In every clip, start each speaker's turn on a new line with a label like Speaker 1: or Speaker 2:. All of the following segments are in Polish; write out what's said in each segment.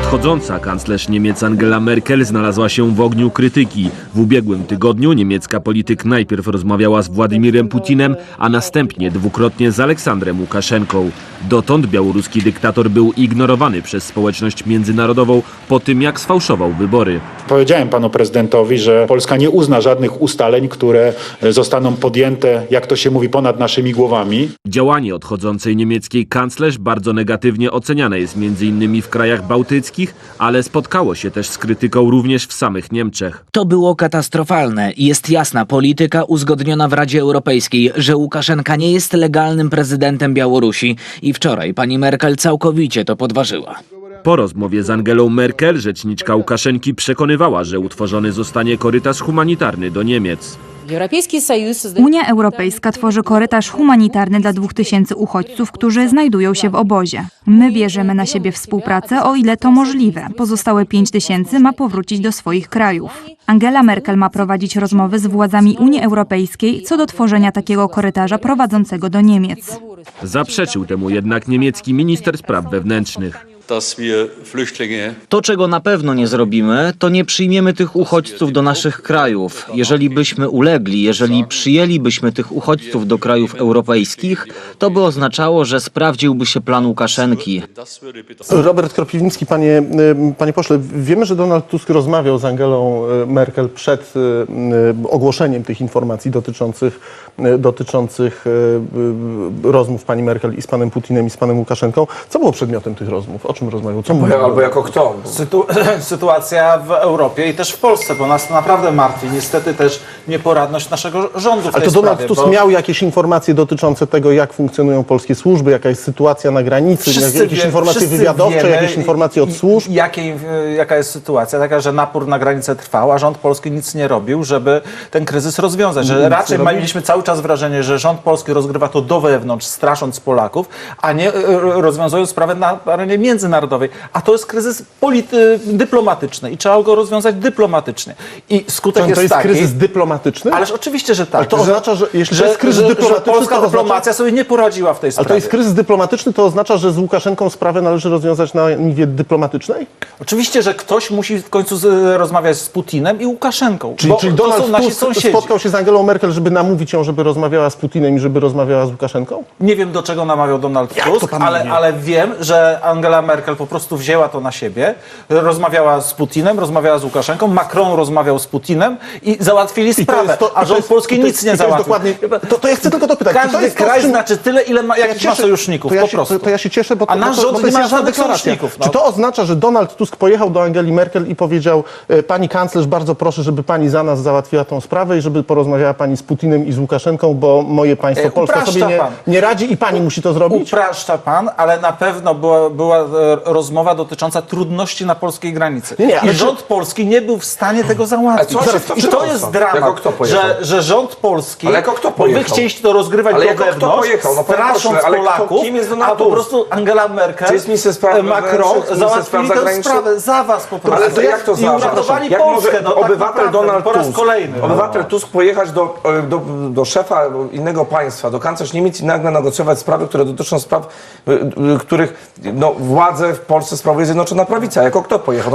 Speaker 1: Odchodząca kanclerz Niemiec Angela Merkel znalazła się w ogniu krytyki. W ubiegłym tygodniu niemiecka polityk najpierw rozmawiała z Władimirem Putinem, a następnie dwukrotnie z Aleksandrem Łukaszenką. Dotąd białoruski dyktator był ignorowany przez społeczność międzynarodową po tym, jak sfałszował wybory.
Speaker 2: Powiedziałem panu prezydentowi, że Polska nie uzna żadnych ustaleń, które zostaną podjęte, jak to się mówi, ponad naszymi głowami.
Speaker 1: Działanie odchodzącej niemieckiej kanclerz bardzo negatywnie oceniane jest m.in. w krajach bałtyckich, ale spotkało się też z krytyką również w samych Niemczech.
Speaker 3: To było katastrofalne. Jest jasna polityka uzgodniona w Radzie Europejskiej, że Łukaszenka nie jest legalnym prezydentem Białorusi i wczoraj pani Merkel całkowicie to podważyła.
Speaker 1: Po rozmowie z Angelą Merkel rzeczniczka Łukaszenki przekonywała, że utworzony zostanie korytarz humanitarny do Niemiec.
Speaker 4: Unia Europejska tworzy korytarz humanitarny dla 2000 uchodźców, którzy znajdują się w obozie. My bierzemy na siebie współpracę, o ile to możliwe. Pozostałe 5000 ma powrócić do swoich krajów. Angela Merkel ma prowadzić rozmowy z władzami Unii Europejskiej co do tworzenia takiego korytarza prowadzącego do Niemiec.
Speaker 1: Zaprzeczył temu jednak niemiecki minister spraw wewnętrznych.
Speaker 3: To, czego na pewno nie zrobimy, to nie przyjmiemy tych uchodźców do naszych krajów. Jeżeli byśmy ulegli, jeżeli przyjęlibyśmy tych uchodźców do krajów europejskich, to by oznaczało, że sprawdziłby się plan Łukaszenki.
Speaker 5: Robert Kropiwnicki, panie pośle, wiemy, że Donald Tusk rozmawiał z Angelą Merkel przed ogłoszeniem tych informacji dotyczących rozmów pani Merkel i z panem Putinem i z panem Łukaszenką. Co było przedmiotem tych rozmów? O czym rozmawiał? Co mówił?
Speaker 6: Albo jako kto? Sytuacja w Europie i też w Polsce, bo nas to naprawdę martwi. Niestety też nieporadność naszego rządu w
Speaker 5: Ale
Speaker 6: tej
Speaker 5: to Donald
Speaker 6: sprawie,
Speaker 5: Tusk miał jakieś informacje dotyczące tego, jak funkcjonują polskie służby, jaka jest sytuacja na granicy, jakieś informacje wywiadowcze, jakieś informacje od służb?
Speaker 6: Jaka jest sytuacja? Taka, że napór na granicę trwał, a rząd polski nic nie robił, żeby ten kryzys rozwiązać. Że raczej mieliśmy cały czas wrażenie, że rząd polski rozgrywa to do wewnątrz, strasząc Polaków, a nie rozwiązując sprawę na arenie międzynarodowej. A to jest kryzys dyplomatyczny i trzeba go rozwiązać dyplomatycznie. I skutek jest taki...
Speaker 5: To jest kryzys dyplomatyczny?
Speaker 6: Ależ oczywiście, że tak.
Speaker 5: Ale to oznacza, że jeśli to jest kryzys dyplomatyczny,
Speaker 6: że polska
Speaker 5: to
Speaker 6: dyplomacja sobie nie poradziła w tej sprawie.
Speaker 5: Ale to jest kryzys dyplomatyczny, to oznacza, że z Łukaszenką sprawę należy rozwiązać na niwie dyplomatycznej?
Speaker 6: Oczywiście, że ktoś musi w końcu rozmawiać z Putinem i Łukaszenką.
Speaker 5: Czyli Donald Tusk spotkał się z Angelą Merkel, żeby namówić ją, żeby rozmawiała z Putinem i żeby rozmawiała z Łukaszenką?
Speaker 6: Nie wiem, do czego namawiał Donald Tusk, ale wiem, że Angela Merkel po prostu wzięła to na siebie, rozmawiała z Putinem, rozmawiała z Łukaszenką, Macron rozmawiał z Putinem i załatwili sprawę, a rząd polski nic nie załatwił.
Speaker 5: To ja chcę tylko dopytać.
Speaker 6: Każdy kraj znaczy tyle, jakich ma sojuszników, po prostu.
Speaker 5: To ja się cieszę, bo
Speaker 6: a nasz rząd
Speaker 5: to jest
Speaker 6: nie ma
Speaker 5: jasna
Speaker 6: żadnych
Speaker 5: deklaracja.
Speaker 6: sojuszników.
Speaker 5: Czy to oznacza, że Donald Tusk pojechał do Angeli Merkel i powiedział: pani kanclerz, bardzo proszę, żeby pani za nas załatwiła tą sprawę i żeby porozmawiała pani z Putinem i z Łukaszenką, bo moje państwo Polska sobie nie radzi i pani musi to zrobić?
Speaker 6: Upraszcza pan, ale na pewno była rozmowa dotycząca trudności na polskiej granicy. I rząd polski nie był w stanie tego załatwić. I to jest dramat, że rząd polski, bo wy chcieliście to rozgrywać do wewnątrz, strasząc Polaków, a po prostu Angela Merkel, Macron załatwili tę sprawę za was po prostu.
Speaker 7: Ale to jak to
Speaker 6: I uratowali
Speaker 7: jak
Speaker 6: Polskę,
Speaker 7: może obywatel Donald
Speaker 6: po raz
Speaker 7: Tusk,
Speaker 6: kolejny.
Speaker 7: Obywatel Tusk pojechać do szefa innego państwa, do kanclerz Niemiec i nagle negocjować sprawy, które dotyczą spraw, których władze w Polsce sprawuje Zjednoczona Prawica. Jako kto pojechał?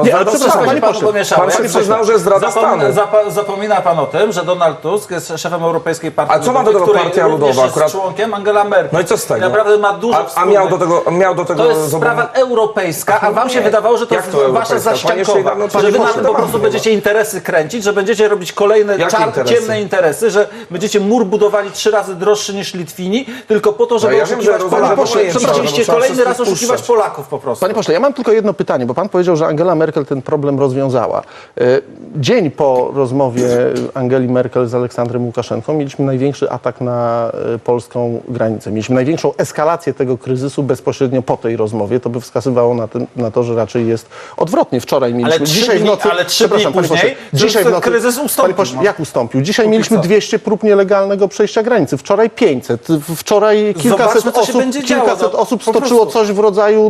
Speaker 6: Pan
Speaker 7: się przyznał, że jest zdrada stanu.
Speaker 6: Zapomina pan o tym, że Donald Tusk jest szefem Europejskiej Partii
Speaker 7: Ludowej. A co ma do tego Partia Ludowa?
Speaker 6: Jest członkiem Angela Merkel.
Speaker 7: No i co z tego?
Speaker 6: Naprawdę ma dużo wspólnego.
Speaker 7: Miał do tego
Speaker 6: To jest sprawa europejska, a wam się wydawało, że to jest wasza zaściankowa. Że wy na tym po prostu będziecie interesy kręcić, że będziecie robić kolejne ciemne interesy, że będziecie mur budowali 3 razy droższy niż Litwini, tylko po to, żeby oszukiwać Polaków. Będziecie kolejny raz oszukiwać Polaków po prostu.
Speaker 5: Panie pośle, ja mam tylko jedno pytanie, bo pan powiedział, że Angela Merkel ten problem rozwiązała. Dzień po rozmowie Angeli Merkel z Aleksandrem Łukaszenką mieliśmy największy atak na polską granicę. Mieliśmy największą eskalację tego kryzysu bezpośrednio po tej rozmowie. To by wskazywało na to, że raczej jest odwrotnie. Wczoraj mieliśmy...
Speaker 6: Ale 3 dni później kryzys ustąpił.
Speaker 5: Jak ustąpił? Dzisiaj mieliśmy 200 prób nielegalnego przejścia granicy. Wczoraj 500. Wczoraj kilkaset osób stoczyło coś w rodzaju bardzo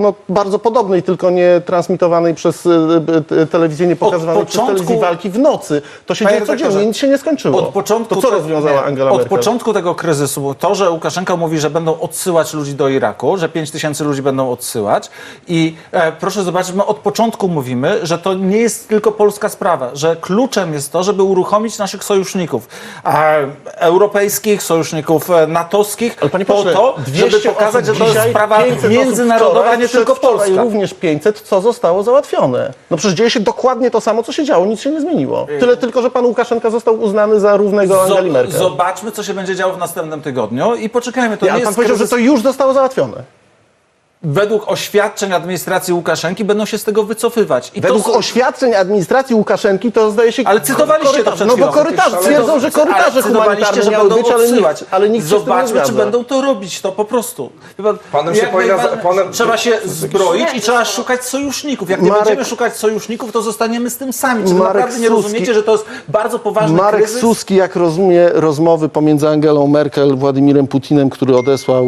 Speaker 5: bardzo podobnej, tylko nie transmitowanej przez telewizję, nie pokazywanej przez telewizję walki w nocy. To się dzieje codziennie, nic się nie skończyło. To co rozwiązała Angela Merkel?
Speaker 6: Od początku tego kryzysu, to, że Łukaszenka mówi, że będą odsyłać ludzi do Iraku, że 5 000 ludzi będą odsyłać i proszę zobaczyć, my od początku mówimy, że to nie jest tylko polska sprawa, że kluczem jest to, żeby uruchomić naszych sojuszników europejskich, sojuszników natowskich,
Speaker 5: Panie
Speaker 6: po
Speaker 5: pośle,
Speaker 6: to, żeby pokazać, że to jest sprawa międzynarodowa, nie tylko polska.
Speaker 5: Również 500, co zostało załatwione. No przecież dzieje się dokładnie to samo, co się działo, nic się nie zmieniło. Tyle tylko, że pan Łukaszenka został uznany za równego Angeli Merkel.
Speaker 6: Zobaczmy, co się będzie działo w następnym tygodniu i poczekajmy. To nie
Speaker 5: Ale pan
Speaker 6: jest
Speaker 5: powiedział, że to już zostało załatwione.
Speaker 6: Według oświadczeń administracji Łukaszenki będą się z tego wycofywać. I
Speaker 5: Według
Speaker 6: to
Speaker 5: oświadczeń administracji Łukaszenki to zdaje się...
Speaker 6: Ale cytowaliście to przed
Speaker 5: No bo
Speaker 6: chwilą.
Speaker 5: korytarze, twierdzą, że korytarze humanitarne
Speaker 6: że
Speaker 5: miały
Speaker 6: będą
Speaker 5: być,
Speaker 6: odsyłać.
Speaker 5: ale nikt się z tym nie
Speaker 6: Zobaczmy, czy
Speaker 5: zgadza.
Speaker 6: będą to robić, to po prostu.
Speaker 7: Panem się
Speaker 6: Trzeba się zbroić i trzeba szukać sojuszników. Jak nie będziemy szukać sojuszników, to zostaniemy z tym sami. Czy wy naprawdę nie rozumiecie, że to jest bardzo poważny
Speaker 5: Marek
Speaker 6: kryzys?
Speaker 5: Suski, jak rozumie rozmowy pomiędzy Angelą Merkel, Władimirem Putinem, który odesłał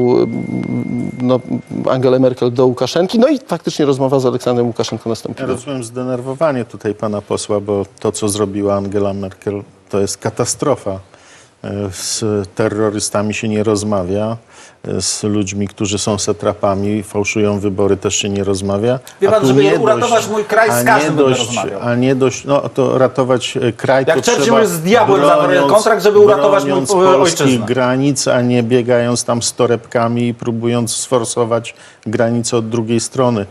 Speaker 5: Angelę Merkel do Łukaszenki, no i faktycznie rozmowa z Aleksandrem Łukaszenką
Speaker 8: Ja
Speaker 5: nastąpiła.
Speaker 8: rozumiem zdenerwowanie tutaj pana posła, bo to, co zrobiła Angela Merkel, to jest katastrofa. Z terrorystami się nie rozmawia, z ludźmi, którzy są satrapami, fałszują wybory, też się nie rozmawia.
Speaker 6: Wie pan,
Speaker 8: tu
Speaker 6: żeby
Speaker 8: nie
Speaker 6: uratować mój kraj, z każdym będę rozmawiał.
Speaker 8: A nie dość, no to ratować kraj
Speaker 6: Jak
Speaker 8: to
Speaker 6: Churchill
Speaker 8: trzeba
Speaker 6: z diabłem zawarł kontrakt, żeby uratować mój
Speaker 8: polskich
Speaker 6: ojczyznę.
Speaker 8: granic, a nie biegając tam z torebkami i próbując sforsować granice od drugiej strony.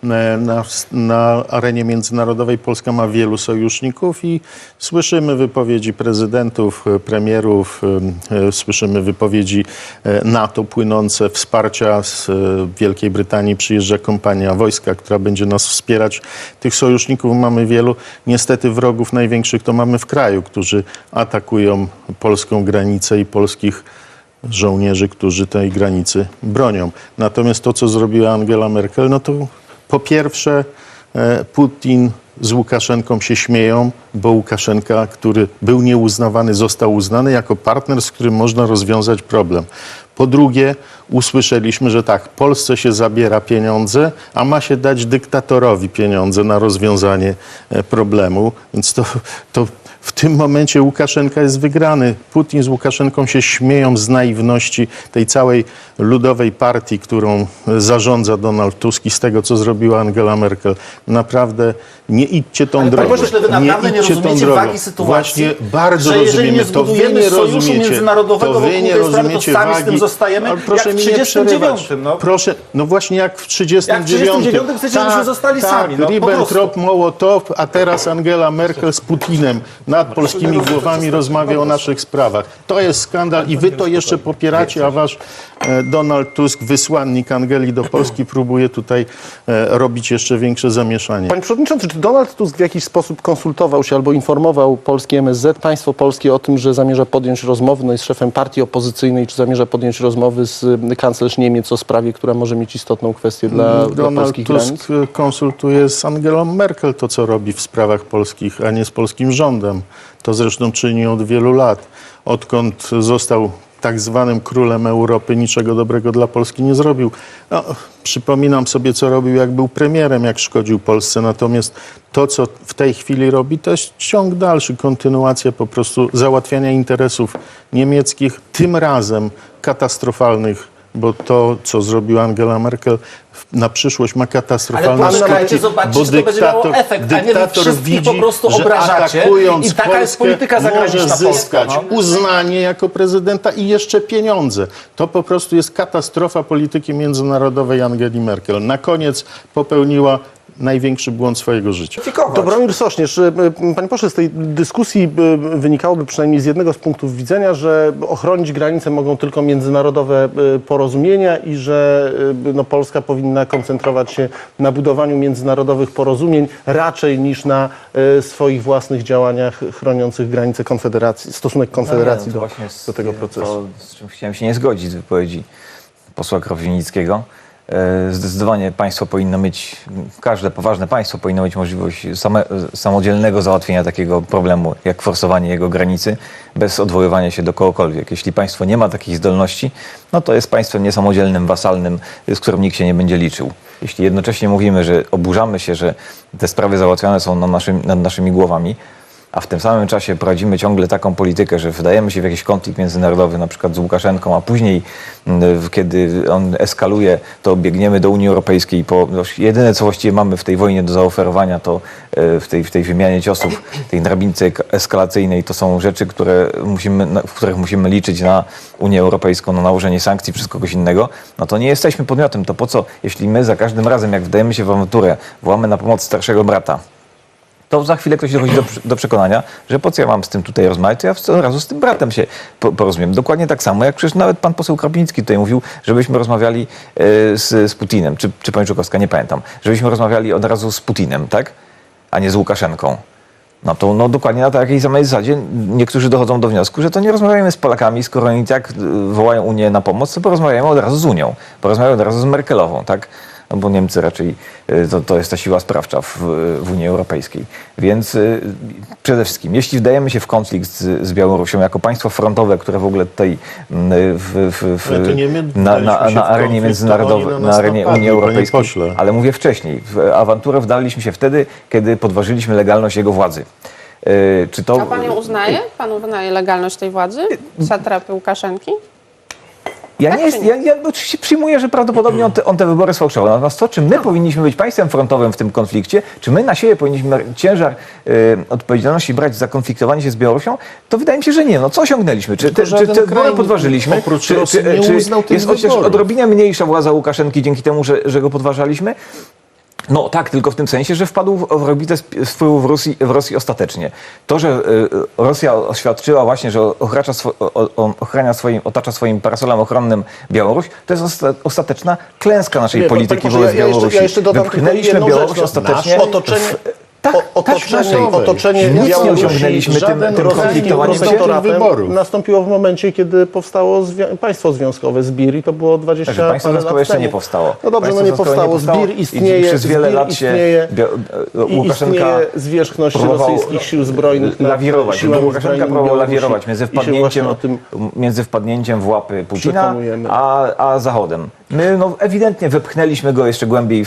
Speaker 8: Na arenie międzynarodowej Polska ma wielu sojuszników i słyszymy wypowiedzi prezydentów, premierów, słyszymy wypowiedzi NATO płynące, wsparcia z Wielkiej Brytanii. Przyjeżdża kompania wojska, która będzie nas wspierać. Tych sojuszników mamy wielu. Niestety wrogów największych to mamy w kraju, którzy atakują polską granicę i polskich żołnierzy, którzy tej granicy bronią. Natomiast to, co zrobiła Angela Merkel, no to po pierwsze Putin z Łukaszenką się śmieją, bo Łukaszenka, który był nieuznawany, został uznany jako partner, z którym można rozwiązać problem. Po drugie, usłyszeliśmy, że tak, Polsce się zabiera pieniądze, a ma się dać dyktatorowi pieniądze na rozwiązanie problemu. Więc to w tym momencie Łukaszenka jest wygrany. Putin z Łukaszenką się śmieją z naiwności tej całej ludowej partii, którą zarządza Donald Tusk i z tego, co zrobiła Angela Merkel. Naprawdę nie idźcie tą drogą.
Speaker 6: Panie pośle, wy naprawdę nie
Speaker 8: idźcie tą
Speaker 6: rozumiecie
Speaker 8: drogą.
Speaker 6: wagi sytuacji,
Speaker 8: Właśnie bardzo
Speaker 6: że jeżeli
Speaker 8: rozumiemy.
Speaker 6: nie
Speaker 8: To wy
Speaker 6: zbudujemy
Speaker 8: nie
Speaker 6: sojuszu
Speaker 8: rozumiecie.
Speaker 6: międzynarodowego
Speaker 8: To wy
Speaker 6: wokół
Speaker 8: nie
Speaker 6: tej sprawy, to
Speaker 8: rozumiecie
Speaker 6: sami z tym
Speaker 8: wagi.
Speaker 6: zostajemy,
Speaker 8: Ale proszę
Speaker 6: jak w
Speaker 8: mi nie
Speaker 6: 39.
Speaker 8: przerywać.
Speaker 6: No.
Speaker 8: Proszę, no właśnie jak w 39.
Speaker 6: Jak w 39 chcecie, żebyśmy zostali sami, no, po
Speaker 8: Ribbentrop, Mołotow, a teraz Angela Merkel z Putinem nad polskimi głowami rozmawia o naszych sprawach. To jest skandal i wy to jeszcze popieracie, a wasz Donald Tusk, wysłannik Angeli do Polski, próbuje tutaj robić jeszcze większe zamieszanie.
Speaker 5: Panie Przewodniczący, czy Donald Tusk w jakiś sposób konsultował się albo informował polski MSZ, państwo polskie o tym, że zamierza podjąć rozmowy, no jest szefem partii opozycyjnej, czy zamierza podjąć rozmowy z kanclerz Niemiec o sprawie, która może mieć istotną kwestię dla
Speaker 8: Donald
Speaker 5: polskich
Speaker 8: Tusk
Speaker 5: granic?
Speaker 8: konsultuje z Angelą Merkel to, co robi w sprawach polskich, a nie z polskim rządem. To zresztą czyni od wielu lat. Odkąd został tak zwanym królem Europy, niczego dobrego dla Polski nie zrobił. No, przypominam sobie, co robił, jak był premierem, jak szkodził Polsce. Natomiast to, co w tej chwili robi, to jest ciąg dalszy, kontynuacja po prostu załatwiania interesów niemieckich, tym razem katastrofalnych, bo to, co zrobiła Angela Merkel, na przyszłość ma katastrofalne skutki,
Speaker 6: zobaczcie,
Speaker 8: bo
Speaker 6: czy to będzie miało efekt, a nie wy
Speaker 8: dyktator
Speaker 6: wszystkich
Speaker 8: widzi,
Speaker 6: po prostu
Speaker 8: że
Speaker 6: obrażacie
Speaker 8: atakując
Speaker 6: i taka jest polityka
Speaker 8: Polskę
Speaker 6: zagraniczna
Speaker 8: może zyskać
Speaker 6: Polska, no.
Speaker 8: uznanie jako prezydenta i jeszcze pieniądze. To po prostu jest katastrofa polityki międzynarodowej Angeli Merkel. Na koniec popełniła największy błąd swojego życia.
Speaker 5: Dobromir Sośnierz, panie pośle, z tej dyskusji wynikałoby przynajmniej z jednego z punktów widzenia, że ochronić granice mogą tylko międzynarodowe porozumienia i że Polska powinna koncentrować się na budowaniu międzynarodowych porozumień raczej niż na swoich własnych działaniach chroniących granice Konfederacji, stosunek Konfederacji do tego procesu.
Speaker 9: To, z czym chciałem się nie zgodzić z wypowiedzi posła Kropiwnickiego. Zdecydowanie państwo powinno mieć, każde poważne państwo powinno mieć możliwość samodzielnego załatwienia takiego problemu, jak forsowanie jego granicy, bez odwoływania się do kogokolwiek. Jeśli państwo nie ma takich zdolności, no to jest państwem niesamodzielnym, wasalnym, z którym nikt się nie będzie liczył. Jeśli jednocześnie mówimy, że oburzamy się, że te sprawy załatwiane są nad naszymi głowami, a w tym samym czasie prowadzimy ciągle taką politykę, że wdajemy się w jakiś konflikt międzynarodowy, na przykład z Łukaszenką, a później, kiedy on eskaluje, to biegniemy do Unii Europejskiej. Jedyne, co właściwie mamy w tej wojnie do zaoferowania, to w tej wymianie ciosów, tej drabince eskalacyjnej, to są rzeczy, w których musimy liczyć na Unię Europejską, na nałożenie sankcji przez kogoś innego. No to nie jesteśmy podmiotem. To po co, jeśli my za każdym razem, jak wdajemy się w awanturę, wołamy na pomoc starszego brata, to za chwilę ktoś dochodzi do przekonania, że po co ja mam z tym tutaj rozmawiać, to ja od razu z tym bratem się porozumiem. Dokładnie tak samo, jak przecież nawet pan poseł Krapiński tutaj mówił, żebyśmy rozmawiali z Putinem, czy pani Żukowska, nie pamiętam, żebyśmy rozmawiali od razu z Putinem, tak? A nie z Łukaszenką. No to dokładnie na takiej samej zasadzie niektórzy dochodzą do wniosku, że to nie rozmawiajmy z Polakami, skoro oni tak wołają Unię na pomoc, to porozmawiajmy od razu z Unią, porozmawiajmy od razu z Merkelową, tak? No bo Niemcy raczej to jest ta siła sprawcza w Unii Europejskiej. Więc przede wszystkim, jeśli wdajemy się w konflikt z Białorusią jako państwo frontowe, które w ogóle tutaj na arenie międzynarodowej, na arenie Unii Europejskiej, ale mówię wcześniej, w awanturę wdaliśmy się wtedy, kiedy podważyliśmy legalność jego władzy. Czy to...
Speaker 10: A pan ją uznaje? Pan uznaje legalność tej władzy? Satrapy Łukaszenki?
Speaker 9: Ja oczywiście przyjmuję, że prawdopodobnie on te wybory sfałszował. Natomiast to, czy my powinniśmy być państwem frontowym w tym konflikcie, czy my na siebie powinniśmy ciężar odpowiedzialności brać za konfliktowanie się z Białorusią, to wydaje mi się, że nie. No co osiągnęliśmy? Czy te wybory podważyliśmy?
Speaker 8: Oprócz Rosji nie uznał tych
Speaker 9: jest chociaż
Speaker 8: wyborów.
Speaker 9: odrobinę mniejsza władza Łukaszenki dzięki temu, że go podważaliśmy? No tak, tylko w tym sensie, że wpadł w orbitę wpływu w Rosji ostatecznie. To, że Rosja oświadczyła właśnie, że otacza swoim parasolem ochronnym Białoruś, to jest ostateczna klęska naszej polityki wobec Białorusi.
Speaker 5: Ja jeszcze dodam
Speaker 9: Wypchnęliśmy Białoruś ostatecznie.
Speaker 5: Otoczenie
Speaker 9: nic nie
Speaker 5: Białorusi
Speaker 9: osiągnęliśmy tym konfliktowaniem
Speaker 5: protektoratem nastąpiło w momencie, kiedy powstało państwo związkowe ZBIR i to było 20
Speaker 9: Także państwo
Speaker 5: parę
Speaker 9: związkowe
Speaker 5: lat
Speaker 9: jeszcze
Speaker 5: temu.
Speaker 9: nie powstało.
Speaker 5: No dobrze,
Speaker 9: Państwo
Speaker 5: nie powstało. ZBIR istnieje.
Speaker 9: I przez wiele lat się Łukaszenka
Speaker 5: istnieje zwierzchność rosyjskich sił zbrojnych.
Speaker 9: Lawirować. Łukaszenka próbował lawirować między wpadnięciem w łapy Putina a Zachodem. My ewidentnie wepchnęliśmy go jeszcze głębiej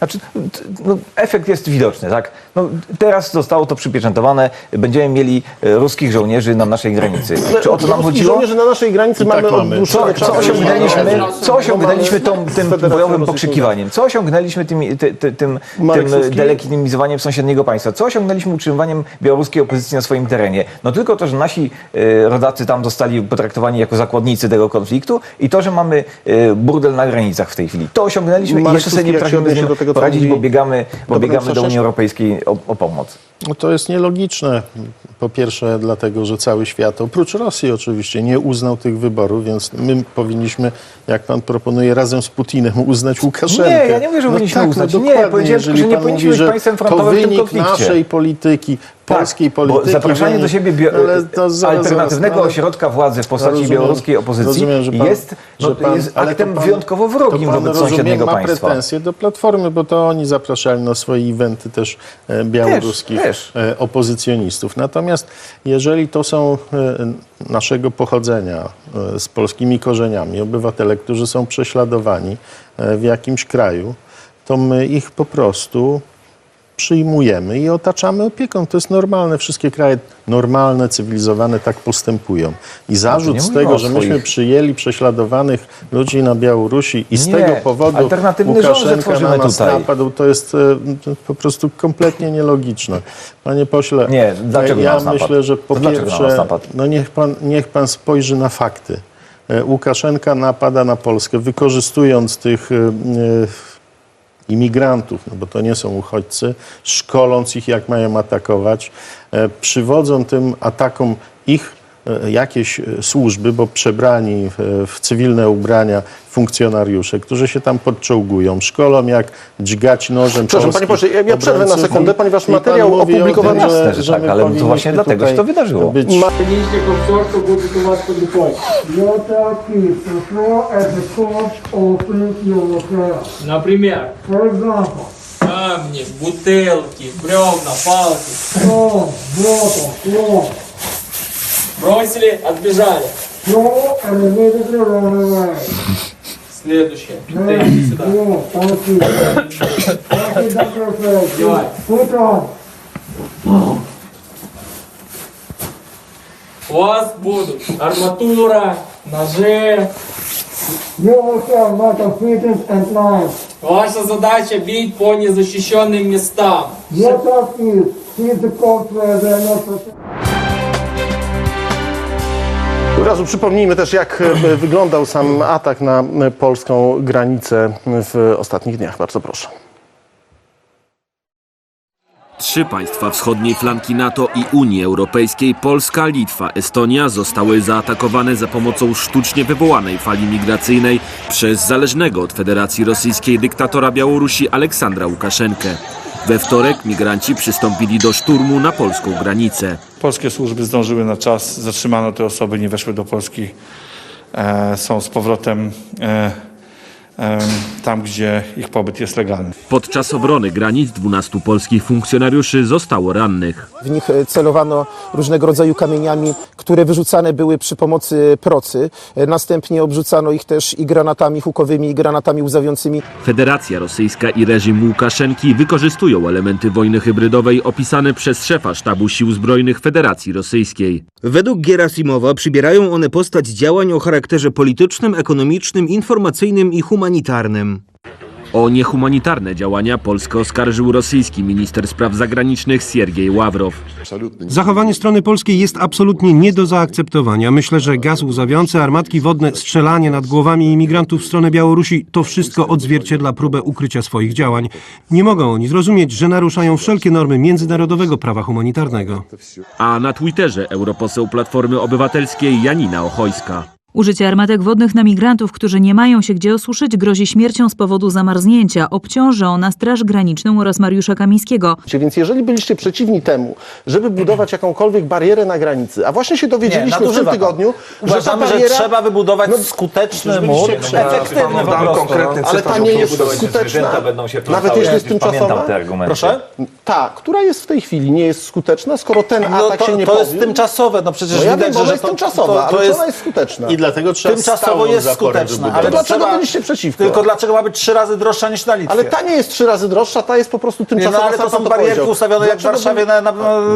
Speaker 9: efekt jest widoczny, tak? Teraz zostało to przypieczętowane, będziemy mieli ruskich żołnierzy na naszej granicy. Czy o to nam chodziło?
Speaker 5: Żołnierzy na naszej granicy mamy od dłuższego czasu.
Speaker 9: Co osiągnęliśmy tym bojowym pokrzykiwaniem? Co osiągnęliśmy tym delegitymizowaniem sąsiedniego państwa? Co osiągnęliśmy utrzymywaniem białoruskiej opozycji na swoim terenie? No tylko to, że nasi rodacy tam zostali potraktowani jako zakładnicy tego konfliktu i to, że mamy burdel na granicach w tej chwili. To osiągnęliśmy i jeszcze sobie nie potrafimy z nim poradzić, bo biegamy do Unii Europejskiej o pomoc.
Speaker 8: No to jest nielogiczne. Po pierwsze dlatego, że cały świat, oprócz Rosji oczywiście, nie uznał tych wyborów, więc my powinniśmy, jak pan proponuje, razem z Putinem uznać Łukaszenkę.
Speaker 9: Nie, ja nie mówię, że powinniśmy uznać. Nie, powiedziałem, że nie powinniśmy być państwem frontowym w tym konflikcie.
Speaker 8: To wynik naszej polityki, polskiej polityki.
Speaker 9: Bo zapraszanie do siebie alternatywnego ośrodka władzy w postaci białoruskiej opozycji jest aktem wyjątkowo wrogim wobec sąsiedniego państwa.
Speaker 8: Ma pretensje do Platformy, bo to oni zapraszali na swoje eventy też białoruskich opozycjonistów. Natomiast jeżeli to są naszego pochodzenia, z polskimi korzeniami, obywatele, którzy są prześladowani w jakimś kraju, to my ich po prostu przyjmujemy i otaczamy opieką. To jest normalne. Wszystkie kraje normalne, cywilizowane tak postępują. I zarzut z tego, że myśmy przyjęli prześladowanych ludzi na Białorusi i z tego powodu Łukaszenka na nas napadł, to jest po prostu kompletnie nielogiczne. Panie pośle, ja myślę, że po pierwsze, niech pan spojrzy na fakty. Łukaszenka napada na Polskę, wykorzystując tych imigrantów, no bo to nie są uchodźcy, szkoląc ich, jak mają atakować, przywodzą tym atakom ich jakieś służby, bo przebrani w cywilne ubrania funkcjonariusze, którzy się tam podczołgują, szkolą jak dźgać nożem.
Speaker 5: Przepraszam, panie pośle, ja przerwę na sekundę, ponieważ materiał opublikowany...
Speaker 9: Jasne, że tak, ale to właśnie dlatego się to wydarzyło.
Speaker 11: Minister комфорту будет у вас под рукой. Your keys to throw at the corpse opens your locker.
Speaker 12: Например,
Speaker 11: For example,
Speaker 12: камни, бутылки, бревна, палки.
Speaker 11: stone, bottle, cloth.
Speaker 12: Бросили, отбежали.
Speaker 11: Throw and immediately run away.
Speaker 12: Следующее.
Speaker 11: Then,
Speaker 12: Бутылки сюда.
Speaker 11: thank you. Thank you, Dr. Fred.
Speaker 12: Давай.
Speaker 11: Put on.
Speaker 12: У вас будут арматура, ножи.
Speaker 11: You will have metal fittings and knives.
Speaker 12: Ваша задача бить по незащищенным местам.
Speaker 11: Your task is hit the corpse where they are not protected.
Speaker 5: Od razu przypomnijmy też, jak wyglądał sam atak na polską granicę w ostatnich dniach. Bardzo proszę.
Speaker 1: 3 państwa wschodniej flanki NATO i Unii Europejskiej, Polska, Litwa, Estonia, zostały zaatakowane za pomocą sztucznie wywołanej fali migracyjnej przez zależnego od Federacji Rosyjskiej dyktatora Białorusi Aleksandra Łukaszenkę. We wtorek migranci przystąpili do szturmu na polską granicę.
Speaker 13: Polskie służby zdążyły na czas, zatrzymano te osoby, nie weszły do Polski, są z powrotem tam, gdzie ich pobyt jest legalny.
Speaker 1: Podczas obrony granic 12 polskich funkcjonariuszy zostało rannych.
Speaker 14: W nich celowano różnego rodzaju kamieniami, które wyrzucane były przy pomocy procy. Następnie obrzucano ich też i granatami hukowymi, i granatami łzawiącymi.
Speaker 1: Federacja Rosyjska i reżim Łukaszenki wykorzystują elementy wojny hybrydowej opisane przez szefa Sztabu Sił Zbrojnych Federacji Rosyjskiej.
Speaker 15: Według Gerasimowa przybierają one postać działań o charakterze politycznym, ekonomicznym, informacyjnym i humanitarnym.
Speaker 1: O niehumanitarne działania Polskę oskarżył rosyjski minister spraw zagranicznych Siergiej Ławrow.
Speaker 16: Zachowanie strony polskiej jest absolutnie nie do zaakceptowania. Myślę, że gaz łzawiący, armatki wodne, strzelanie nad głowami imigrantów w stronę Białorusi to wszystko odzwierciedla próbę ukrycia swoich działań. Nie mogą oni zrozumieć, że naruszają wszelkie normy międzynarodowego prawa humanitarnego.
Speaker 1: A na Twitterze europoseł Platformy Obywatelskiej Janina Ochojska.
Speaker 17: Użycie armatek wodnych na migrantów, którzy nie mają się gdzie osuszyć, grozi śmiercią z powodu zamarznięcia. Obciąży ona Straż Graniczną oraz Mariusza Kamińskiego.
Speaker 5: Więc jeżeli byliście przeciwni temu, żeby budować jakąkolwiek barierę na granicy, a właśnie się dowiedzieliśmy w tym tygodniu,
Speaker 6: uważamy, że trzeba wybudować skuteczny mur, efektywny po prostu.
Speaker 5: Ale ta nie jest skuteczna, nawet jeśli jest tymczasowa.
Speaker 6: Proszę?
Speaker 5: Ta, która jest w tej chwili, nie jest skuteczna, skoro ten atak się nie powiódł.
Speaker 6: To jest tymczasowe, no przecież
Speaker 5: no ja
Speaker 6: widać,
Speaker 5: wiem,
Speaker 6: że
Speaker 5: ona jest tymczasowa, ale ona jest skuteczna.
Speaker 8: I dlatego trzeba
Speaker 6: tymczasowo jest skuteczna. Ale
Speaker 5: dlaczego byliście przeciwko?
Speaker 6: Tylko dlaczego ma być 3 razy droższa niż na Litwie?
Speaker 5: Ale ta nie jest 3 razy droższa, ta jest po prostu tymczasowa.
Speaker 6: Nie, no, ale to są barierki ustawione jak w Warszawie na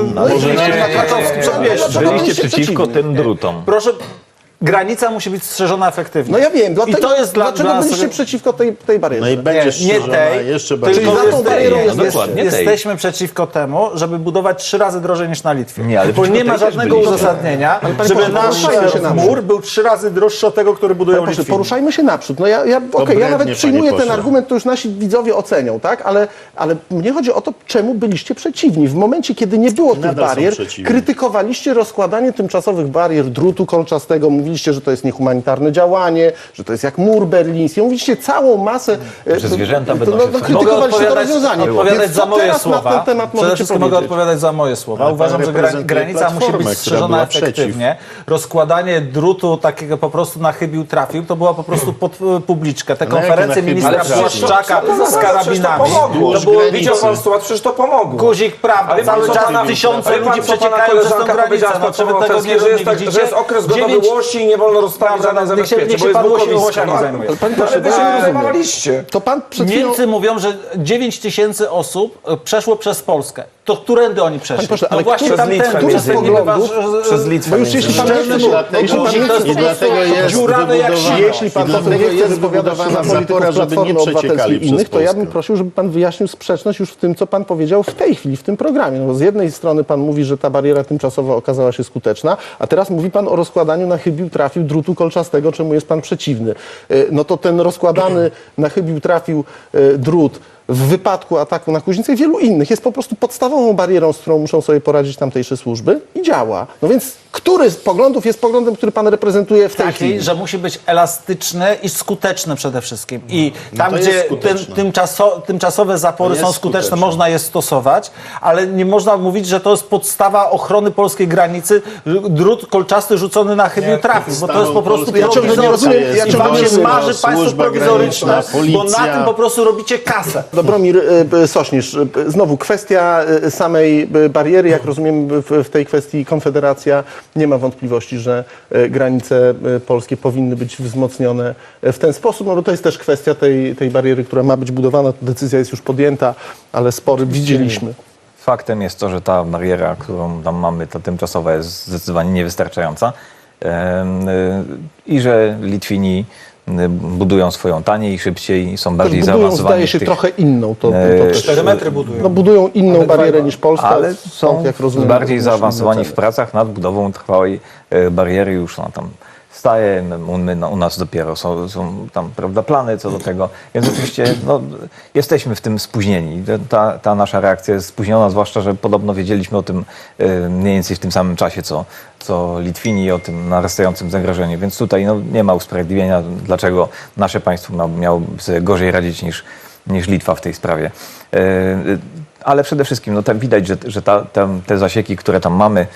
Speaker 6: Krakowskim Przedmieściu.
Speaker 9: Byliście przeciwko tym drutom.
Speaker 6: Proszę, granica musi być strzeżona efektywnie.
Speaker 5: No ja wiem, dlatego,
Speaker 6: I to jest
Speaker 5: dlaczego byliście przeciwko tej barierze?
Speaker 8: No i będzie jeszcze bardziej.
Speaker 5: Czyli za tą barierą
Speaker 6: jesteśmy przeciwko temu, żeby budować 3 razy drożej niż na Litwie.
Speaker 9: Nie, ale
Speaker 6: bo nie ma żadnego uzasadnienia, żeby nasz mur był 3 razy droższy od tego, który budują Litwini.
Speaker 5: Poruszajmy się naprzód. No ja nawet przyjmuję ten argument, to już nasi widzowie ocenią, tak? Ale mnie chodzi o to, czemu byliście przeciwni. W momencie, kiedy nie było tych barier, krytykowaliście rozkładanie tymczasowych barier, drutu kolczastego, mówiliście, że to jest niehumanitarne działanie, że to jest jak mur berliński. Mówiliście całą masę...
Speaker 9: Że zwierzęta będą się
Speaker 5: krytykowaliście to rozwiązanie.
Speaker 6: Odpowiadać za moje słowa.
Speaker 5: Na ten temat
Speaker 6: Przede wszystkim mogę odpowiadać za moje słowa. Uważam, że granica musi być strzeżona efektywnie. Rozkładanie drutu takiego po prostu na chybił trafił, to była po prostu pod publiczkę. Te konferencje ministra Błaszczaka z karabinami.
Speaker 7: To było, widział pan sytuację, przecież to pomogło.
Speaker 6: Guzik, prawda, cały czas tysiące ludzi przeciekają przez tę granicę. No, czy wy tego nie widzicie?
Speaker 7: Że jest okres gotowości i nie wolno rozstawić żadnych zabezpieczeń, bo jest bukowisko. Ale wy się nie rozumieliście.
Speaker 5: To pan przed chwilą...
Speaker 6: Niemcy mówią, że 9 000 osób przeszło przez Polskę. To którędy oni przeszli?
Speaker 5: Proszę, ale
Speaker 6: właśnie
Speaker 5: przez Litwę
Speaker 7: przez Litwę.
Speaker 5: Bo już jeśli pan nie chce wypowiadać się na polityków Platformy Obywatelskiej i innych, to ja bym prosił, żeby pan wyjaśnił sprzeczność już w tym, co pan powiedział w tej chwili, w tym programie. No bo z jednej strony pan mówi, że ta bariera tymczasowa okazała się skuteczna, a teraz mówi pan o rozkładaniu na chybił trafił drutu kolczastego, czemu jest pan przeciwny. No to ten rozkładany na chybił trafił drut w wypadku ataku na Kuźnicę i wielu innych jest po prostu podstawową barierą, z którą muszą sobie poradzić tamtejsze służby i działa. No więc który z poglądów jest poglądem, który pan reprezentuje w tej chwili?
Speaker 6: Że musi być elastyczny i skuteczny przede wszystkim. I tam,
Speaker 8: to jest
Speaker 6: gdzie
Speaker 8: skuteczne.
Speaker 6: tymczasowe zapory
Speaker 8: To
Speaker 6: są
Speaker 8: jest
Speaker 6: skuteczne,
Speaker 8: skuteczne.
Speaker 6: można je stosować, ale nie można mówić, że to jest podstawa ochrony polskiej granicy, drut kolczasty rzucony na chybił trafił, bo to jest po prostu
Speaker 8: Ja ciągle nie rozumiem,
Speaker 6: I wam się marzy państwo
Speaker 8: służba
Speaker 6: prowizoryczne,
Speaker 8: graniczna,
Speaker 6: bo na
Speaker 8: policja.
Speaker 6: tym po prostu robicie kasę.
Speaker 5: Dobromir Sośnierz, znowu kwestia samej bariery, jak rozumiem w tej kwestii Konfederacja nie ma wątpliwości, że granice polskie powinny być wzmocnione w ten sposób, no bo to jest też kwestia tej bariery, która ma być budowana, decyzja jest już podjęta, ale spory widzieliśmy.
Speaker 9: Faktem jest to, że ta bariera, którą tam mamy, ta tymczasowa, jest zdecydowanie niewystarczająca i że Litwini budują swoją taniej, szybciej, są bardziej
Speaker 5: budują,
Speaker 9: zaawansowani.
Speaker 5: zdaje się,
Speaker 9: w tych,
Speaker 5: trochę inną. To
Speaker 6: 4 metry budują.
Speaker 5: No, budują inną barierę niż Polska,
Speaker 9: ale są
Speaker 5: jak rozumiem,
Speaker 9: bardziej
Speaker 5: musimy
Speaker 9: zaawansowani w
Speaker 5: oceniać.
Speaker 9: pracach nad budową trwałej bariery. Już ona tam staje, u nas dopiero są tam, prawda, plany co do tego, więc oczywiście no, jesteśmy w tym spóźnieni. Ta nasza reakcja jest spóźniona, zwłaszcza, że podobno wiedzieliśmy o tym mniej więcej w tym samym czasie, co Litwini, o tym narastającym zagrożeniu, więc tutaj no, nie ma usprawiedliwienia, dlaczego nasze państwo miałoby sobie gorzej radzić niż Litwa w tej sprawie. Ale przede wszystkim no, tak widać, że te zasieki, które tam mamy,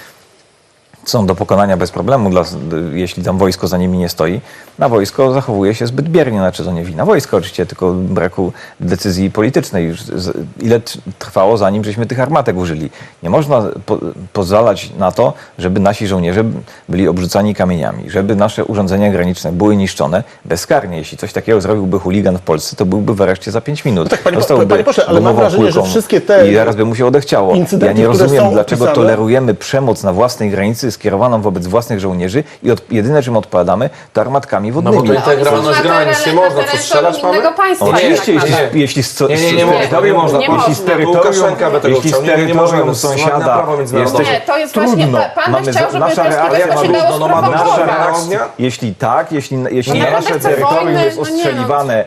Speaker 9: są do pokonania bez problemu, jeśli tam wojsko za nimi nie stoi. Na wojsko zachowuje się zbyt biernie, znaczy to nie wina wojska oczywiście, tylko braku decyzji politycznej. Już ile trwało, zanim żeśmy tych armatek użyli. Nie można pozwalać na to, żeby nasi żołnierze byli obrzucani kamieniami, żeby nasze urządzenia graniczne były niszczone bezkarnie. Jeśli coś takiego zrobiłby chuligan w Polsce, to byłby w areszcie za 5 minut.
Speaker 5: No tak, panie pośle, ale mam wrażenie, że wszystkie te
Speaker 9: i zaraz by mu się odechciało.
Speaker 5: incydenty,
Speaker 9: Ja nie
Speaker 5: które
Speaker 9: rozumiem,
Speaker 5: są
Speaker 9: dlaczego
Speaker 5: opisane-
Speaker 9: tolerujemy przemoc na własnej granicy skierowaną wobec własnych żołnierzy i jedyne, czym odpowiadamy, to armatkami wodnymi.
Speaker 7: No bo to integralność granic, nie można co strzelać, mamy?
Speaker 10: innego państwa.
Speaker 9: Oczywiście,
Speaker 10: tak
Speaker 9: jeśli
Speaker 7: Nie można.
Speaker 10: Jeśli
Speaker 9: z
Speaker 7: Łukaszenka by tego chciał. Nie możemy na
Speaker 9: sąsiada
Speaker 7: prawo międzynarodowe.
Speaker 10: Nie, to jest właśnie,
Speaker 9: trudno.
Speaker 10: pan by chciał, żeby
Speaker 9: nasza reakcja
Speaker 10: to się
Speaker 9: ma
Speaker 10: dało sprowokować.
Speaker 9: Jeśli tak, jeśli
Speaker 10: nie,
Speaker 9: na nasze
Speaker 10: chcę
Speaker 9: terytorium
Speaker 10: wojny,
Speaker 9: jest
Speaker 10: no nie,
Speaker 9: ostrzeliwane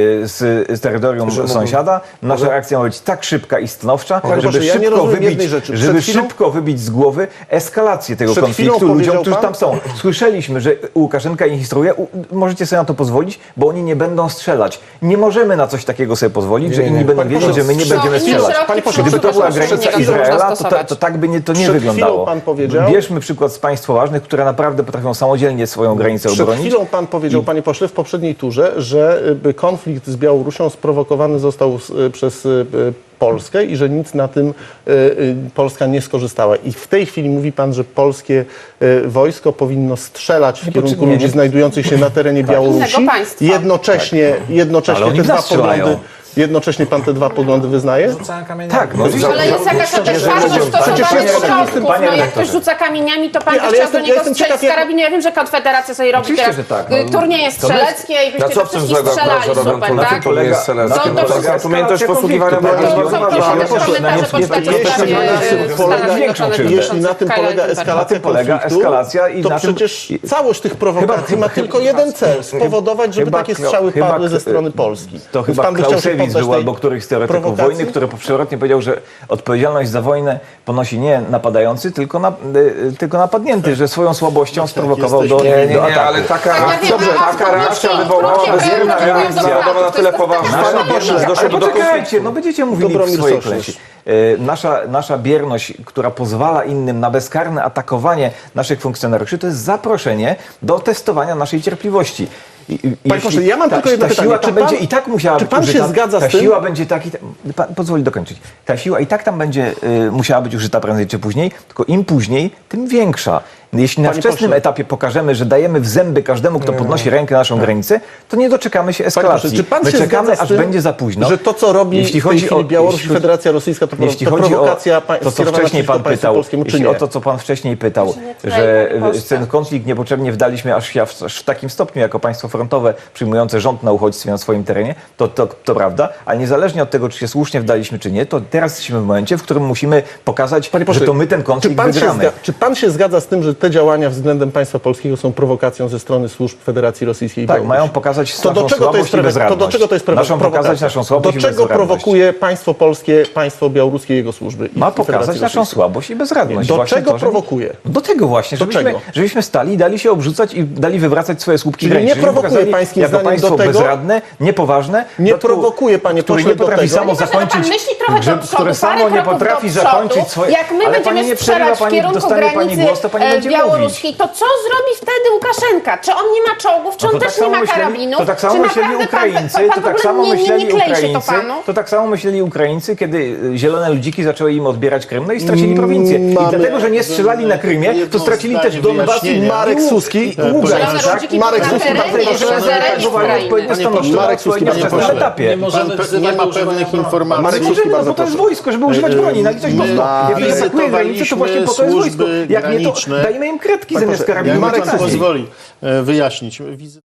Speaker 9: z terytorium sąsiada, nasza reakcja ma być tak szybka i stanowcza,
Speaker 5: Panie
Speaker 9: żeby
Speaker 5: pośle, ja nie rozumiem jednej rzeczy.
Speaker 9: żeby
Speaker 5: Przed chwilą-
Speaker 9: szybko wybić z głowy eskalację tego
Speaker 5: Przed
Speaker 9: konfliktu
Speaker 5: chwilą
Speaker 9: ludziom,
Speaker 5: powiedział
Speaker 9: którzy
Speaker 5: pan-
Speaker 9: tam są. Słyszeliśmy, że Łukaszenka ich instruuje, możecie sobie na to pozwolić, bo oni nie będą strzelać. Nie możemy na coś takiego sobie pozwolić, że inni będą wiedzieć, że my nie będziemy strzelać.
Speaker 10: Panie pośle,
Speaker 9: Gdyby to była granica
Speaker 10: przed chwilą
Speaker 9: Izraela,
Speaker 10: można
Speaker 9: to
Speaker 10: stosować.
Speaker 9: tak by to nie
Speaker 5: Przed
Speaker 9: wyglądało.
Speaker 5: chwilą pan powiedział-
Speaker 9: Bierzmy przykład z państw ważnych, które naprawdę potrafią samodzielnie swoją granicę
Speaker 5: Przed
Speaker 9: obronić.
Speaker 5: chwilą pan powiedział, panie pośle, w poprzedniej turze, że konflikt z Białorusią sprowokowany został przez Polskę i że nic na tym Polska nie skorzystała. I w tej chwili mówi pan, że polskie wojsko powinno strzelać w kierunku ludzi znajdujących się na terenie Białorusi.
Speaker 10: Innego państwa.
Speaker 5: Jednocześnie
Speaker 9: Ale oni
Speaker 5: te
Speaker 9: w
Speaker 5: dwa
Speaker 9: nas strzelają.
Speaker 5: poglądy. Jednocześnie pan te dwa poglądy wyznaje?
Speaker 9: Tak, no
Speaker 10: Ale jest jakaś otwartość w stosowaniu początków. No jak ktoś rzuca kamieniami, to pan by
Speaker 5: ale
Speaker 10: chciał
Speaker 5: jestem-
Speaker 10: do niego
Speaker 5: jestem
Speaker 10: strzelić
Speaker 5: ciekaw,
Speaker 10: z
Speaker 5: jak-
Speaker 10: karabinu. Ja wiem, że Konfederacja sobie robi
Speaker 9: Oczywiście,
Speaker 10: teraz
Speaker 9: że tak, no.
Speaker 10: turnieje
Speaker 9: To my-
Speaker 10: strzeleckie i
Speaker 7: Na
Speaker 10: byście
Speaker 7: co
Speaker 10: we
Speaker 7: w tym
Speaker 10: wszystkich
Speaker 7: złego,
Speaker 10: strzelali,
Speaker 7: że robią
Speaker 10: super,
Speaker 7: turnieje
Speaker 10: tak?
Speaker 7: turnieje strzeleckie?
Speaker 10: No to
Speaker 7: Polega
Speaker 10: wszystko-
Speaker 7: umiejętność posługiwania
Speaker 10: To
Speaker 7: broni
Speaker 10: są
Speaker 7: bardzo ważna.
Speaker 10: komentarze pod
Speaker 5: Jeśli na tym polega eskalacja
Speaker 9: polega
Speaker 5: konfliktu,
Speaker 9: eskalacja i
Speaker 5: to
Speaker 9: na tym-
Speaker 5: przecież całość tych prowokacji ma tylko jeden cel, spowodować, żeby takie strzały padły ze strony Polski.
Speaker 9: To
Speaker 5: Więc
Speaker 9: chyba
Speaker 5: pan by chciał się
Speaker 9: Clausewicz
Speaker 5: poddać
Speaker 9: był
Speaker 5: tej
Speaker 9: albo któryś z teoretyków
Speaker 5: prowokacji?
Speaker 9: wojny, który przewrotnie powiedział, że odpowiedzialność za wojnę ponosi nie napadający, tylko napadnięty, że swoją słabością sprowokował do
Speaker 7: Nie,
Speaker 9: ataku.
Speaker 7: ale taka reakcja
Speaker 10: krótkie
Speaker 7: wywołałaby
Speaker 10: krótkie
Speaker 7: zjemna
Speaker 10: krótkie
Speaker 7: międzynarodowa na tyle poważna, że doszłoby do konfliktu.
Speaker 9: Poczekajcie, no będziecie mówili w
Speaker 5: Dobromir
Speaker 9: swojej
Speaker 5: Sośnierz.
Speaker 9: klęsie. Nasza bierność, która pozwala innym na bezkarne atakowanie naszych funkcjonariuszy, to jest zaproszenie do testowania naszej cierpliwości.
Speaker 5: Panie pośle, ja mam tylko jedno
Speaker 9: ta
Speaker 5: pytanie.
Speaker 9: siła tam
Speaker 5: Czy pan-
Speaker 9: będzie i tak musiała
Speaker 5: czy
Speaker 9: być
Speaker 5: pan się
Speaker 9: użyta.
Speaker 5: zgadza z
Speaker 9: Ta
Speaker 5: tym?
Speaker 9: siła będzie pan pozwoli dokończyć. Ta siła i tak tam będzie musiała być użyta prędzej czy później, tylko im później, tym większa. Jeśli na
Speaker 5: Panie
Speaker 9: wczesnym
Speaker 5: pośle.
Speaker 9: etapie pokażemy, że dajemy w zęby każdemu, kto podnosi rękę na naszą granicę, to nie doczekamy się
Speaker 5: Panie
Speaker 9: eskalacji.
Speaker 5: pośle, czy pan
Speaker 9: My
Speaker 5: się
Speaker 9: czekamy,
Speaker 5: zgadza z
Speaker 9: aż
Speaker 5: tym,
Speaker 9: będzie za późno.
Speaker 5: że to, co robi
Speaker 9: Jeśli
Speaker 5: w tej
Speaker 9: chodzi
Speaker 5: chwili
Speaker 9: o-
Speaker 5: Białoruś
Speaker 9: jeśli
Speaker 5: i Federacja Rosyjska, to
Speaker 9: Jeśli
Speaker 5: to
Speaker 9: chodzi o
Speaker 5: prowokacja
Speaker 9: to, co
Speaker 5: skierowana
Speaker 9: wcześniej pan
Speaker 5: przeciwko państwu
Speaker 9: pytał,
Speaker 5: polskiemu, czy
Speaker 9: jeśli
Speaker 5: nie?
Speaker 9: o to, co pan wcześniej pytał,
Speaker 10: nie
Speaker 9: że
Speaker 10: tutaj, panie pośle.
Speaker 9: ten konflikt niepotrzebnie wdaliśmy aż w takim stopniu, jako państwo frontowe przyjmujące rząd na uchodźstwie na swoim terenie, to prawda, ale niezależnie od tego, czy się słusznie wdaliśmy, czy nie, to teraz jesteśmy w momencie, w którym musimy pokazać,
Speaker 5: Panie pośle,
Speaker 9: że to my ten konflikt wygramy.
Speaker 5: Czy pan się zgadza z tym, że że te działania względem państwa polskiego są prowokacją ze strony służb Federacji Rosyjskiej i
Speaker 9: Tak,
Speaker 5: Białorusi.
Speaker 9: mają pokazać
Speaker 5: To do
Speaker 9: naszą
Speaker 5: czego to jest
Speaker 9: słabość i bezradność.
Speaker 5: To do czego to jest
Speaker 9: Naszą pokazać naszą słabość
Speaker 5: Do
Speaker 9: i
Speaker 5: czego
Speaker 9: bezradność.
Speaker 5: prowokuje państwo polskie, państwo białoruskie i jego służby?
Speaker 9: Ma
Speaker 5: i
Speaker 9: pokazać
Speaker 5: Federacji
Speaker 9: naszą
Speaker 5: Rosyjskiej?
Speaker 9: słabość i bezradność.
Speaker 5: Do
Speaker 9: Właśnie
Speaker 5: czego
Speaker 9: to, że-
Speaker 5: prowokuje?
Speaker 9: Do tego właśnie,
Speaker 5: Do czego?
Speaker 9: żebyśmy stali i dali się obrzucać i dali wywracać swoje słupki
Speaker 5: Czyli
Speaker 9: graniczne.
Speaker 5: nie
Speaker 9: Żebyśmy
Speaker 5: prowokuje
Speaker 9: pokazali
Speaker 5: pańskim
Speaker 9: jako
Speaker 5: zdaniem
Speaker 9: państwo
Speaker 5: do tego-
Speaker 9: bezradne, niepoważne.
Speaker 5: Nie
Speaker 9: w dodatku,
Speaker 5: prowokuje, panie
Speaker 9: które
Speaker 5: pośle,
Speaker 9: nie potrafi
Speaker 5: do tego.
Speaker 9: samo zakończyć,
Speaker 10: Pan myśli trochę do przodu,
Speaker 9: które samo
Speaker 10: parę
Speaker 9: nie
Speaker 10: kroków
Speaker 9: potrafi
Speaker 10: do przodu.
Speaker 9: zakończyć swoje...
Speaker 10: Jak my
Speaker 9: Ale pani
Speaker 10: będziemy
Speaker 9: nie przerywa,
Speaker 10: strzelać w
Speaker 9: pani
Speaker 10: kierunku
Speaker 9: dostanie pani
Speaker 10: granicy
Speaker 9: głos, to pani będzie
Speaker 10: białoruskiej, to co zrobi wtedy Łukaszenka? Czy on nie ma czołgów, czy
Speaker 9: No
Speaker 10: on
Speaker 9: to
Speaker 10: też
Speaker 9: tak
Speaker 10: nie
Speaker 9: samo
Speaker 10: ma
Speaker 9: myśleli-
Speaker 10: karabinów?
Speaker 9: To tak samo
Speaker 10: Czy
Speaker 9: myśleli
Speaker 10: naprawdę
Speaker 9: Ukraińcy,
Speaker 10: pan
Speaker 9: to
Speaker 10: w
Speaker 9: tak
Speaker 10: ogóle
Speaker 9: samo myśleli
Speaker 10: nie klei się to
Speaker 9: Ukraińcy,
Speaker 10: panu?
Speaker 9: to tak samo myśleli Ukraińcy, kiedy zielone ludziki zaczęły im odbierać Krym, no i stracili prowincję. I dlatego, że nie strzelali na Krymie, to stracili też Donbas i
Speaker 5: Marek Suski.
Speaker 10: Zielone ludziki
Speaker 5: Marek
Speaker 10: na
Speaker 5: Suski,
Speaker 10: terenie,
Speaker 5: bardzo proszę.
Speaker 10: zereni Ukrainy.
Speaker 5: Marek Suski, panie pośle.
Speaker 9: etapie.
Speaker 8: Nie ma pewnych informacji.
Speaker 5: Marek
Speaker 9: Nie
Speaker 5: Suski,
Speaker 9: możemy, no
Speaker 5: bardzo
Speaker 9: bo to jest
Speaker 5: proszę.
Speaker 9: wojsko, żeby używać broni na litość boską. Jak atakuje granicę, to właśnie po to jest wojsko.
Speaker 8: służby
Speaker 9: Jak nie, to
Speaker 8: graniczne.
Speaker 9: dajmy im kretki zamiast
Speaker 5: pośle,
Speaker 9: karabinu.
Speaker 8: Jak
Speaker 5: Marek
Speaker 8: pan
Speaker 5: Suski.
Speaker 8: pozwoli wyjaśnić.